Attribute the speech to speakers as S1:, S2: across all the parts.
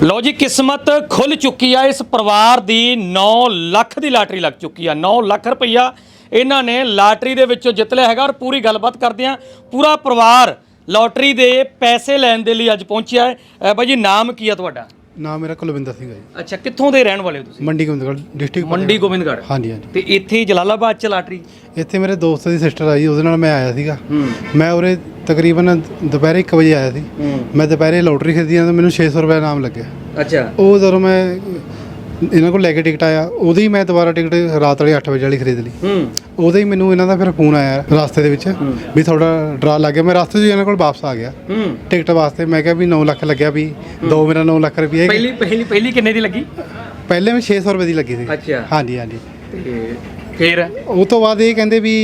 S1: ਲਓ ਜੀ, किस्मत खुल चुकी है। इस परिवार की 9 ਲੱਖ की लाटरी लग चुकी है। 9 ਲੱਖ रुपया इन्हों ने लाटरी दे विचों जित लिया है। और पूरी गलबात करते हैं, पूरा परिवार लॉटरी के पैसे लैन के लिए अज पहुंचा है। भाई जी, नाम की है तुहाडा?
S2: नाम मेरा कुलविंदर सिंह है जी।
S1: अच्छा, कित्थों दे रहने वाले हो तुसीं?
S2: मंडी गोबिंदगढ़ डिस्ट्रिक्ट
S1: मंडी गोबिंदगढ़।
S2: हाँ जी हाँ जी।
S1: ते इत्थे जलालाबाद च लाटरी?
S2: ਇੱਥੇ ਮੇਰੇ ਦੋਸਤ ਦੀ ਸਿਸਟਰ ਆਈ, ਉਹਦੇ ਨਾਲ ਮੈਂ ਆਇਆ ਸੀਗਾ। ਮੈਂ ਉਰੇ ਤਕਰੀਬਨ ਦੁਪਹਿਰੇ 1 ਵਜੇ ਆਇਆ ਸੀ। ਮੈਂ ਦੁਪਹਿਰੇ ਲੋਟਰੀ ਖਰੀਦੀ ਤਾਂ ਮੈਨੂੰ 600 ਰੁਪਏ ਨਾਮ ਲੱਗਿਆ।
S1: ਅੱਛਾ।
S2: ਉਹ ਜਦੋਂ ਮੈਂ ਇਹਨਾਂ ਕੋਲ ਲੈ ਕੇ ਟਿਕਟ ਆਇਆ, ਉਦੋਂ ਹੀ ਮੈਂ ਦੁਬਾਰਾ ਟਿਕਟ ਰਾਤ ਵਾਲੀ 8 ਵਜੇ ਵਾਲੀ ਖਰੀਦ ਲਈ। ਉਦੋਂ ਹੀ ਮੈਨੂੰ ਇਹਨਾਂ ਦਾ ਫਿਰ ਫੋਨ ਆਇਆ ਰਸਤੇ ਦੇ ਵਿੱਚ ਵੀ ਤੁਹਾਡਾ ਡਰਾ ਲੱਗ ਗਿਆ। ਮੈਂ ਰਸਤੇ 'ਚ ਇਹਨਾਂ ਕੋਲ ਵਾਪਸ ਆ ਗਿਆ ਟਿਕਟ ਵਾਸਤੇ। ਮੈਂ ਕਿਹਾ ਵੀ 9 ਲੱਖ ਲੱਗਿਆ, ਵੀ ਦੋ ਮੇਰਾ 9 ਲੱਖ ਰੁਪਏ।
S1: ਪਹਿਲੀ ਕਿੰਨੇ ਦੀ ਲੱਗੀ?
S2: ਪਹਿਲੇ ਮੈਂ 600 ਰੁਪਏ ਦੀ ਲੱਗੀ ਸੀ।
S1: ਅੱਛਾ।
S2: ਹਾਂਜੀ ਹਾਂਜੀ।
S1: ਤੇ ਫਿਰ
S2: ਉਹ ਤੋਂ ਬਾਅਦ ਇਹ ਕਹਿੰਦੇ ਵੀ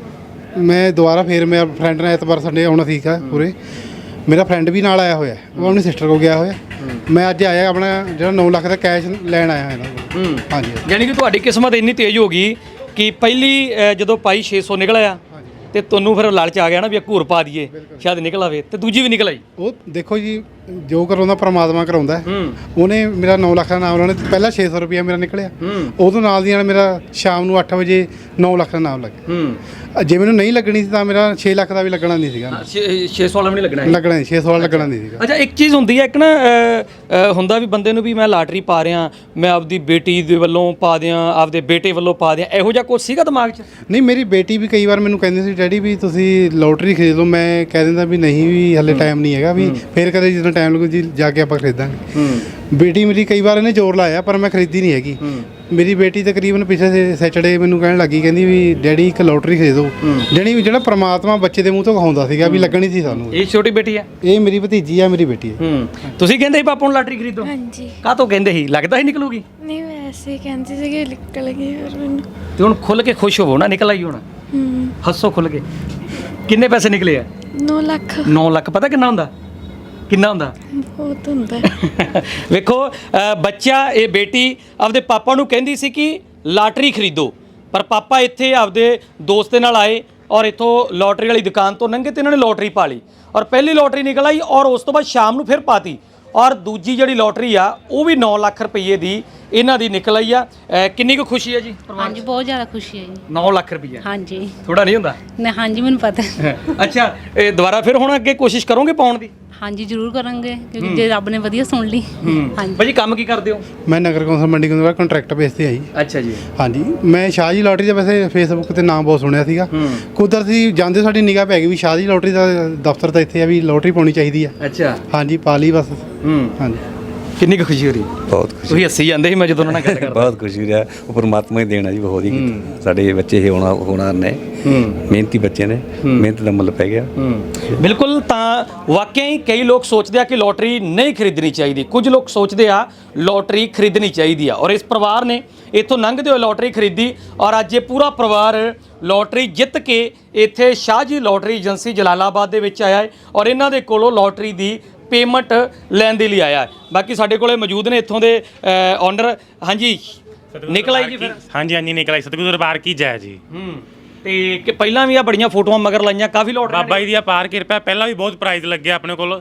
S2: ਮੈਂ ਦੁਬਾਰਾ ਫਿਰ ਮੇਰਾ ਫਰੈਂਡ ਨੇ ਐਤਵਾਰ ਸੰਡੇ ਆਉਣਾ ਸੀਗਾ ਪੂਰੇ। ਮੇਰਾ ਫਰੈਂਡ ਵੀ ਨਾਲ ਆਇਆ ਹੋਇਆ, ਉਹ ਆਪਣੀ ਸਿਸਟਰ ਕੋਲ ਗਿਆ ਹੋਇਆ। ਮੈਂ ਅੱਜ ਆਇਆ ਆਪਣਾ ਜਿਹੜਾ 9 ਲੱਖ ਦਾ ਕੈਸ਼ ਲੈਣ ਆਇਆ ਇਹਨਾਂ ਕੋਲ। ਹਾਂਜੀ।
S1: ਯਾਨੀ ਕਿ ਤੁਹਾਡੀ ਕਿਸਮਤ ਇੰਨੀ ਤੇਜ਼ ਹੋ ਗਈ ਕਿ ਪਹਿਲੀ ਜਦੋਂ ਪਾਈ 600 ਨਿਕਲ ਆਇਆ ਤੇ ਤੁਹਾਨੂੰ ਫਿਰ ਲਾਲਚ ਆ ਗਿਆ ਨਾ ਵੀ ਘੂਰ ਪਾ ਦਈਏ ਸ਼ਾਇਦ ਨਿਕਲ ਆਵੇ, ਤੇ ਦੂਜੀ ਵੀ ਨਿਕਲ ਆਈ।
S2: ਉਹ ਦੇਖੋ ਜੀ, ਜੋ ਕਰਾਉਂਦਾ ਪ੍ਰਮਾਤਮਾ ਕਰਾਉਂਦਾ। ਉਹਨੇ ਮੇਰਾ 9 ਲੱਖ ਦਾ ਨਾਮ ਲਾਉਣਾ, ਪਹਿਲਾਂ 600 ਰੁਪਇਆ ਮੇਰਾ ਨਿਕਲਿਆ। ਉਦੋਂ ਨਾਲ ਦੀ ਨਾਲ ਮੇਰਾ ਸ਼ਾਮ ਨੂੰ 8 ਵਜੇ 9 ਲੱਖ ਦਾ ਨਾਮ ਲੱਗਿਆ। ਜੇ ਮੈਨੂੰ ਨਹੀਂ ਲੱਗਣੀ ਸੀ ਤਾਂ ਮੇਰਾ 6 ਲੱਖ ਦਾ ਵੀ ਲੱਗਣਾ ਨਹੀਂ ਸੀਗਾ।
S1: 600 ਵਾਲਾ ਵੀ ਨਹੀਂ ਲੱਗਣਾ
S2: ਲੱਗਣਾ 600 ਵਾਲਾ ਲੱਗਣਾ ਨਹੀਂ ਸੀਗਾ।
S1: ਅੱਛਾ, ਇੱਕ ਚੀਜ਼ ਹੁੰਦੀ ਹੈ, ਇੱਕ ਨਾ ਹੁੰਦਾ ਵੀ ਬੰਦੇ ਨੂੰ ਵੀ ਮੈਂ ਲਾਟਰੀ ਪਾ ਰਿਹਾ, ਮੈਂ ਆਪਦੀ ਬੇਟੀ ਦੇ ਵੱਲੋਂ ਪਾ ਦਿਆਂ, ਆਪਦੇ ਬੇਟੇ ਵੱਲੋਂ ਪਾ ਦਿਆਂ, ਇਹੋ ਜਿਹਾ ਕੁਝ ਸੀਗਾ ਦਿਮਾਗ 'ਚ?
S2: ਨਹੀਂ, ਮੇਰੀ ਬੇਟੀ ਵੀ ਕਈ ਵਾਰ ਮੈਨੂੰ ਕਹਿੰਦੀ ਸੀ, ਡੈਡੀ ਵੀ ਤੁਸੀਂ ਲੋਟਰੀ ਖਰੀਦ ਲਓ। ਮੈਂ ਕਹਿ ਦਿੰਦਾ ਵੀ ਨਹੀਂ, ਵੀ ਹਲੇ ਟਾਈਮ ਨਹੀਂ ਹੈਗਾ, ਵੀ ਫਿਰ ਕਦੇ ਜਦੋਂ ਟਾਈਮ ਲੱਗੂ ਜੀ ਜਾ ਕੇ ਆਪਾਂ ਖਰੀਦਾਂਗੇ। ਬੇਟੀ ਮੇਰੀ ਕਈ ਵਾਰ ਇਹਨੇ ਜ਼ੋਰ ਲਾਇਆ, ਪਰ ਮੈਂ ਖਰੀਦੀ ਨਹੀਂ ਹੈਗੀ। ਮੇਰੀ ਬੇਟੀ ਤਕਰੀਬਨ ਪਿਛਲੇ ਸੈਟਰਡੇ ਮੈਨੂੰ ਕਹਿਣ ਲੱਗੀ, ਕਹਿੰਦੀ ਵੀ ਡੈਡੀ ਇੱਕ ਲੋਟਰੀ ਖਰੀਦੋ। ਜਿਹੜਾ ਪ੍ਰਮਾਤਮਾ ਬੱਚੇ ਦੇ ਮੂੰਹ ਤੋਂ ਕਹਾਉਂਦਾ ਸੀਗਾ ਵੀ ਲੱਗਣੀ ਸੀ ਸਾਨੂੰ।
S1: ਇਹ ਛੋਟੀ ਬੇਟੀ ਹੈ? ਇਹ
S2: ਮੇਰੀ ਭਤੀਜੀ ਆ, ਮੇਰੀ ਬੇਟੀ ਹੈ।
S1: ਤੁਸੀਂ ਕਹਿੰਦੇ ਸੀ ਪਾਪਾ ਨੂੰ ਲਾਟਰੀ ਖਰੀਦੋ?
S3: ਹਾਂਜੀ।
S1: ਕਾਹ ਤੋਂ ਕਹਿੰਦੇ ਸੀ? ਲੱਗਦਾ ਹੀ ਨਿਕਲੂਗੀ?
S3: ਨਹੀਂ, ਵੈਸੇ ਹੀ ਕਹਿੰਦੀ ਸੀ ਕਿ ਨਿਕਲ ਗਈ ਫਿਰ ਮੈਨੂੰ।
S1: ਤੇ ਹੁਣ ਖੁੱਲ ਕੇ ਖੁਸ਼ ਹੋਵੋ ਨਾ, ਨਿਕਲ ਆਈ ਹੁਣ, ਹੱਸੋ ਖੁੱਲ ਕੇ। ਕਿੰਨੇ ਪੈਸੇ ਨਿਕਲੇ ਆ?
S3: 9 ਲੱਖ।
S1: 9 ਲੱਖ ਪਤਾ ਕਿੰਨਾ ਹੁੰਦਾ? ਕਿੰਨਾ ਹੁੰਦਾ?
S3: ਬਹੁਤ ਹੁੰਦਾ।
S1: ਵੇਖੋ, ਬੱਚਾ, ਇਹ ਬੇਟੀ ਆਪਦੇ ਪਾਪਾ ਨੂੰ ਕਹਿੰਦੀ ਸੀ ਕਿ ਲਾਟਰੀ ਖਰੀਦੋ, ਪਰ ਪਾਪਾ ਇੱਥੇ ਆਪਦੇ ਦੋਸਤ ਦੇ ਨਾਲ ਆਏ ਔਰ ਇੱਥੋਂ ਲੋਟਰੀ ਵਾਲੀ ਦੁਕਾਨ ਤੋਂ ਲੰਘੇ ਤੇ ਇਹਨਾਂ ਨੇ ਲੋਟਰੀ ਪਾ ਲਈ ਔਰ ਪਹਿਲੀ ਲੋਟਰੀ ਨਿਕਲ ਆਈ ਔਰ ਉਸ ਤੋਂ ਬਾਅਦ ਸ਼ਾਮ ਨੂੰ ਫਿਰ ਪਾਤੀ ਔਰ ਦੂਜੀ ਜਿਹੜੀ ਲੋਟਰੀ ਆ ਉਹ ਵੀ 9 ਲੱਖ ਰੁਪਏ ਦੀ ਇਹਨਾਂ ਦੀ ਨਿਕਲ ਆਈ ਆ। ਕਿੰਨੀ ਕੁ ਖੁਸ਼ੀ ਹੈ ਜੀ?
S4: ਹਾਂਜੀ, ਬਹੁਤ ਜ਼ਿਆਦਾ ਖੁਸ਼ੀ ਹੈ ਜੀ।
S1: 9 ਲੱਖ ਰੁਪਏ?
S4: ਹਾਂਜੀ।
S1: ਥੋੜਾ ਨਹੀਂ ਹੁੰਦਾ?
S4: ਨਹੀਂ, ਹਾਂਜੀ, ਮੈਨੂੰ ਪਤਾ।
S1: ਅੱਛਾ, ਇਹ ਦੁਬਾਰਾ ਫਿਰ ਹੁਣ ਅੱਗੇ ਕੋਸ਼ਿਸ਼ ਕਰੋਗੇ ਪਾਉਣ ਦੀ?
S4: ਹਾਂਜੀ, ਜ਼ਰੂਰ ਕਰਾਂਗੇ, ਕਿਉਂਕਿ ਜੇ ਰੱਬ ਨੇ ਵਧੀਆ ਸੁਣ ਲਈ। ਹਾਂਜੀ।
S1: ਭਾਜੀ, ਕੰਮ ਕੀ ਕਰਦੇ ਹੋ?
S2: ਮੈਂ ਨਗਰ ਕੌਂਸਲ ਮੰਡੀ ਗੋਬਿੰਦਗੜ੍ਹ ਕੰਟਰੈਕਟ ਬੇਸ ਤੇ ਆਈ।
S1: ਅੱਛਾ ਜੀ। ਹਾਂਜੀ।
S2: ਮੈਂ ਸ਼ਾਹ ਜੀ ਲੋਟਰੀ ਦਾ ਵੈਸੇ ਫੇਸਬੁੱਕ ਤੇ ਨਾਮ ਬਹੁਤ ਸੁਣਿਆ ਸੀਗਾ। ਕੁਦਰਤੀ ਜਾਂਦੇ ਸਾਡੀ ਨਿਗਾਹ ਪੈ ਗਈ ਵੀ ਸ਼ਾਹ ਜੀ ਲੋਟਰੀ ਦਾ ਦਫ਼ਤਰ ਤਾਂ ਇੱਥੇ ਆ, ਵੀ ਲੋਟਰੀ ਪਾਉਣੀ ਚਾਹੀਦੀ ਆ।
S1: ਅੱਛਾ।
S2: ਹਾਂਜੀ, ਪਾ ਲਈ ਬਸ। ਹਾਂਜੀ।
S1: ਕਿੰਨੀ ਕੁ ਖੁਸ਼ੀ ਹੋ ਰਹੀ?
S5: ਬਹੁਤ ਖੁਸ਼ੀ।
S1: ਤੁਸੀਂ ਹੱਸੀ ਜਾਂਦੇ ਸੀ ਮੈਂ ਜਦੋਂ ਉਹਨਾਂ ਨਾਲ ਗੱਲ ਕਰਦਾ।
S5: ਬਹੁਤ ਖੁਸ਼ੀ ਰਿਹਾ। ਉਹ ਪਰਮਾਤਮਾ ਹੀ ਦੇਣਾ ਜੀ, ਬਹੁਤ ਹੀ ਸਾਡੇ ਬੱਚੇ ਇਹ ਹੋਣਾ ਨੇ, ਮਿਹਨਤੀ ਬੱਚੇ ਨੇ, ਮਿਹਨਤ ਦਾ ਮੁੱਲ ਪੈ ਗਿਆ।
S1: ਬਿਲਕੁਲ। ਤਾਂ ਵਾਕਿਆ ਹੀ ਕਈ ਲੋਕ ਸੋਚਦੇ ਆ ਕਿ ਲੋਟਰੀ ਨਹੀਂ ਖਰੀਦਣੀ ਚਾਹੀਦੀ, ਕੁਝ ਲੋਕ ਸੋਚਦੇ ਆ ਲੋਟਰੀ ਖਰੀਦਣੀ ਚਾਹੀਦੀ ਆ ਔਰ ਇਸ ਪਰਿਵਾਰ ਨੇ ਇੱਥੋਂ ਲੰਘਦੇ ਹੋਏ ਲੋਟਰੀ ਖਰੀਦੀ ਔਰ ਅੱਜ ਇਹ ਪੂਰਾ ਪਰਿਵਾਰ ਲੋਟਰੀ ਜਿੱਤ ਕੇ ਇੱਥੇ ਸ਼ਾਹ ਜੀ ਲੋਟਰੀ ਏਜੰਸੀ ਜਲਾਲਾਬਾਦ ਦੇ ਵਿੱਚ ਆਇਆ ਹੈ ਔਰ ਇਹਨਾਂ ਦੇ ਕੋਲੋਂ ਲੋਟਰੀ ਦੀ ਪੇਮੈਂਟ ਲੈਣ ਦੇ ਲਈ ਆਇਆ ਹੈ। ਬਾਕੀ ਸਾਡੇ ਕੋਲੇ ਮੌਜੂਦ ਨੇ ਇੱਥੋਂ ਦੇ ਓਨਰ। ਹਾਂਜੀ, ਨਿਕਲ ਆਈ ਜੀ ਫਿਰ?
S6: ਹਾਂਜੀ ਹਾਂਜੀ, ਨਿਕਲ ਆਈ। ਸਤਿਗੁਰੂ ਦਰਬਾਰ ਕੀ ਜੈ ਜੀ।
S1: ਤੇ ਕਿ ਪਹਿਲਾਂ ਵੀ ਆ ਬੜੀਆਂ ਫੋਟੋਆਂ ਮਗਰ ਲਾਈਆਂ, ਕਾਫੀ ਲੋਟ
S6: ਬਾਬਾ ਜੀ ਦੀ ਅਪਾਰ ਕਿਰਪਾ। ਪਹਿਲਾਂ ਵੀ ਬਹੁਤ ਪ੍ਰਾਈਜ਼ ਲੱਗਿਆ ਆਪਣੇ ਕੋਲ,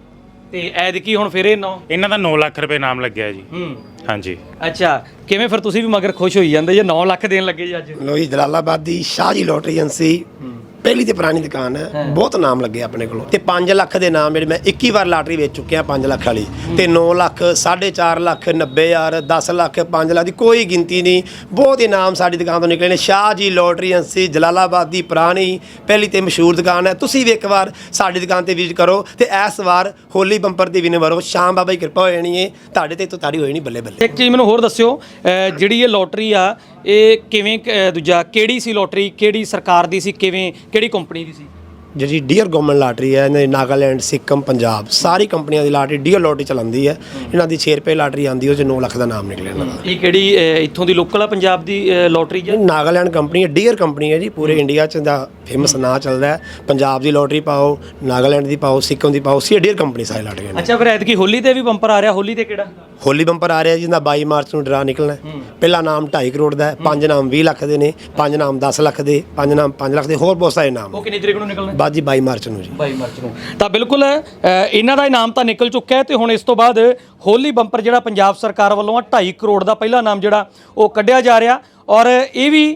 S1: ਤੇ ਐਤਕੀ ਹੁਣ ਫਿਰ
S6: ਇਹਨਾਂ ਦਾ 9 ਲੱਖ ਰੁਪਏ ਨਾਮ ਲੱਗਿਆ ਜੀ। ਹਾਂਜੀ।
S1: ਅੱਛਾ, ਕਿਵੇਂ ਫਿਰ ਤੁਸੀਂ ਵੀ ਮਗਰ ਖੁਸ਼ ਹੋਈ ਜਾਂਦੇ ਜੇ 9 ਲੱਖ ਦੇਣ ਲੱਗੇ ਜੀ ਅੱਜ?
S7: ਲੋ ਜੀ, ਜਲਾਲਾਬਾਦ ਦੀ ਸ਼ਾਹ ਜੀ ਲੋਟਰੀ ਏਜੰਸੀ ਪਹਿਲੀ ਤੇ ਪੁਰਾਣੀ ਦੁਕਾਨ ਹੈ, ਬਹੁਤ ਨਾਮ ਲੱਗੇ ਆਪਣੇ ਕੋਲੋਂ। ਤੇ 5 ਲੱਖ ਦੇ ਨਾਮ ਜਿਹੜੇ ਮੈਂ 21 ਵਾਰ ਲਾਟਰੀ ਵੇਚ ਚੁੱਕਿਆ, 5 ਲੱਖ ਵਾਲੀ, ਤੇ 9 ਲੱਖ, 4.5 ਲੱਖ, 90,000, 10 ਲੱਖ, 5 ਲੱਖ ਦੀ ਕੋਈ ਗਿਣਤੀ ਨਹੀਂ। ਬਹੁਤ ਇਨਾਮ ਸਾਡੀ ਦੁਕਾਨ ਤੋਂ ਨਿਕਲੇ ਨੇ। ਸ਼ਾਹ ਜੀ ਲੋਟਰੀ ਏਜੰਸੀ ਜਲਾਲਾਬਾਦ ਦੀ ਪੁਰਾਣੀ ਪਹਿਲੀ ਤੇ ਮਸ਼ਹੂਰ ਦੁਕਾਨ ਹੈ। ਤੁਸੀਂ ਵੀ ਇੱਕ ਵਾਰ ਸਾਡੀ ਦੁਕਾਨ ਤੇ ਵਿਜ਼ਿਟ ਕਰੋ ਤੇ ਇਸ ਵਾਰ ਹੋਲੀ ਬੰਪਰ ਦੀ ਵਿਨਰ ਹੋ। ਸ਼ਾਮ ਬਾਬਾ ਦੀ ਕਿਰਪਾ ਹੋ ਜਾਣੀ ਹੈ ਤੁਹਾਡੇ ਤੇ, ਤੋਂ ਤਾੜੀ ਹੋ ਜਾਣੀ ਬੱਲੇ ਬੱਲੇ।
S1: ਇੱਕ ਚੀਜ਼ ਮੈਨੂੰ ਹੋਰ ਦੱਸਿਓ, ਜਿਹੜੀ ਇਹ ਲੋਟਰੀ ਆ ਇਹ ਕਿਵੇਂ ਦੂਜਾ ਕਿਹੜੀ ਸੀ ਲੋਟਰੀ? ਕਿਹੜੀ ਸਰਕਾਰ ਦੀ ਸੀ? ਕਿਵੇਂ, ਕਿਹੜੀ ਕੰਪਨੀ ਦੀ ਸੀ?
S7: ਜਿਹੜੀ ਡੀਅਰ ਗਵਰਨਮੈਂਟ ਲਾਟਰੀ ਹੈ, ਇਹਨਾਂ ਦੀ ਨਾਗਾਲੈਂਡ, ਸਿੱਕਮ, ਪੰਜਾਬ ਸਾਰੀ ਕੰਪਨੀਆਂ ਦੀ ਲਾਟਰੀ ਡੀਅਰ ਲੋਟਰੀ ਚਲਾਉਂਦੀ ਹੈ। ਇਹਨਾਂ ਦੀ 6 ਰੁਪਏ ਲਾਟਰੀ ਆਉਂਦੀ, ਉਹ 'ਚ 9 ਲੱਖ ਦਾ ਨਾਮ ਨਿਕਲਿਆ ਇਹਨਾਂ ਦਾ।
S1: ਇਹ ਕਿਹੜੀ ਇੱਥੋਂ ਦੀ ਲੋਕਲ ਆ ਪੰਜਾਬ ਦੀ ਲੋਟਰੀ ਜਾਂ
S7: ਨਾਗਾਲੈਂਡ ਕੰਪਨੀ ਹੈ, ਡੀਅਰ ਕੰਪਨੀ ਹੈ ਜੀ। ਪੂਰੇ ਇੰਡੀਆ 'ਚ ਦਾ ਫੇਮਸ ਨਾਂ ਚੱਲਦਾ ਹੈ। ਪੰਜਾਬ ਦੀ ਲੋਟਰੀ ਪਾਓ, ਨਾਗਾਲੈਂਡ ਦੀ ਪਾਓ, ਸਿੱਕਮ ਦੀ ਪਾਓ, ਸੀ ਡੀਅਰ ਕੰਪਨੀ ਸਾਰੀ ਲਾਟਰੀਆਂ ਨੇ।
S1: ਅੱਛਾ, ਫਿਰ ਐਤਕੀ ਹੋਲੀ ਤੇ ਵੀ ਬੰਪਰ ਆ ਰਿਹਾ। ਹੋਲੀ ਤੇ ਕਿਹੜਾ?
S7: ਹੋਲੀ ਬੰਪਰ ਆ ਰਿਹਾ ਜਿਹਦਾ 22 ਮਾਰਚ ਨੂੰ ਡਰਾ ਨਿਕਲਣਾ। ਪਹਿਲਾ ਨਾਮ 2.5 ਕਰੋੜ ਦਾ ਹੈ, 5 ਨਾਮ 20 ਲੱਖ ਦੇ ਨੇ, 5 ਨਾਮ 10 ਲੱਖ ਦੇ, 5 ਨਾਮ 5 ਲੱਖ ਦੇ, ਹੋਰ ਬਹੁਤ ਸਾਰੇ ਨਾਮ।
S1: ਉਹ ਕਿੰਨੀ ਤਰੀਕ ਨੂੰ ਨਿਕਲਣਾ?
S7: ਬਾਅਦ ਜੀ 22 ਮਾਰਚ ਨੂੰ ਜੀ
S1: 22 ਮਾਰਚ ਨੂੰ। ਤਾਂ ਬਿਲਕੁਲ ਇਹਨਾਂ ਦਾ ਇਨਾਮ ਤਾਂ ਨਿਕਲ ਚੁੱਕਿਆ ਹੈ ਤੇ ਹੁਣ ਇਸ ਤੋਂ ਬਾਅਦ ਹੋਲੀ ਬੰਪਰ ਜਿਹੜਾ ਪੰਜਾਬ ਸਰਕਾਰ ਵੱਲੋਂ 2.5 ਕਰੋੜ ਦਾ ਪਹਿਲਾ ਇਨਾਮ ਜਿਹੜਾ ਉਹ ਕੱਢਿਆ ਜਾ ਰਿਹਾ ਔਰ ਇਹ ਵੀ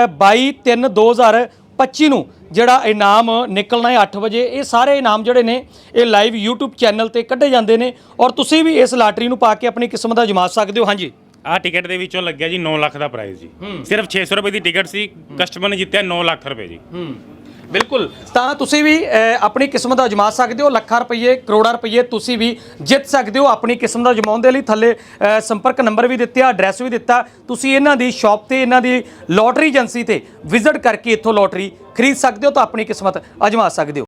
S1: 22/3/2025 ਨੂੰ ਜਿਹੜਾ ਇਨਾਮ ਨਿਕਲਣਾ ਹੈ 8 ਵਜੇ। ਇਹ ਸਾਰੇ ਇਨਾਮ ਜਿਹੜੇ ਨੇ ਇਹ ਲਾਈਵ YouTube ਚੈਨਲ ਤੇ ਕੱਢੇ ਜਾਂਦੇ ਨੇ ਔਰ ਤੁਸੀਂ ਵੀ ਇਸ ਲਾਟਰੀ ਨੂੰ ਪਾ ਕੇ ਆਪਣੀ ਕਿਸਮਤ ਅਜਮਾ ਸਕਦੇ ਹੋ। ਹਾਂਜੀ,
S6: ਆਹ ਟਿਕਟ ਦੇ ਵਿੱਚੋਂ ਲੱਗਿਆ ਜੀ 9 ਲੱਖ ਦਾ ਪ੍ਰਾਈਜ਼ ਜੀ। ਸਿਰਫ 600 ਰੁਪਏ ਦੀ ਟਿਕਟ ਸੀ, ਕਸਟਮਰ ਨੇ ਜਿੱਤਿਆ 9 ਲੱਖ ਰੁਪਏ ਜੀ।
S1: ਬਿਲਕੁਲ। ਤਾਂ ਤੁਸੀਂ ਵੀ ਆਪਣੀ ਕਿਸਮਤ ਅਜਮਾ ਸਕਦੇ ਹੋ। ਲੱਖਾਂ ਰੁਪਏ, ਕਰੋੜਾਂ ਰੁਪਏ ਤੁਸੀਂ ਵੀ ਜਿੱਤ ਸਕਦੇ ਹੋ। ਆਪਣੀ ਕਿਸਮਤ ਅਜਮਾਉਣ ਦੇ ਲਈ ਥੱਲੇ ਸੰਪਰਕ ਨੰਬਰ ਵੀ ਦਿੱਤਾ, ਐਡਰੈਸ ਵੀ ਦਿੱਤਾ। ਤੁਸੀਂ ਇਹਨਾਂ ਦੀ ਸ਼ਾਪ ਤੇ, ਇਹਨਾਂ ਦੀ ਲੋਟਰੀ ਏਜੰਸੀ ਤੇ ਵਿਜ਼ਿਟ ਕਰਕੇ ਇੱਥੋਂ ਲੋਟਰੀ ਖਰੀਦ ਸਕਦੇ ਹੋ ਤਾਂ ਆਪਣੀ ਕਿਸਮਤ ਅਜਮਾ ਸਕਦੇ ਹੋ।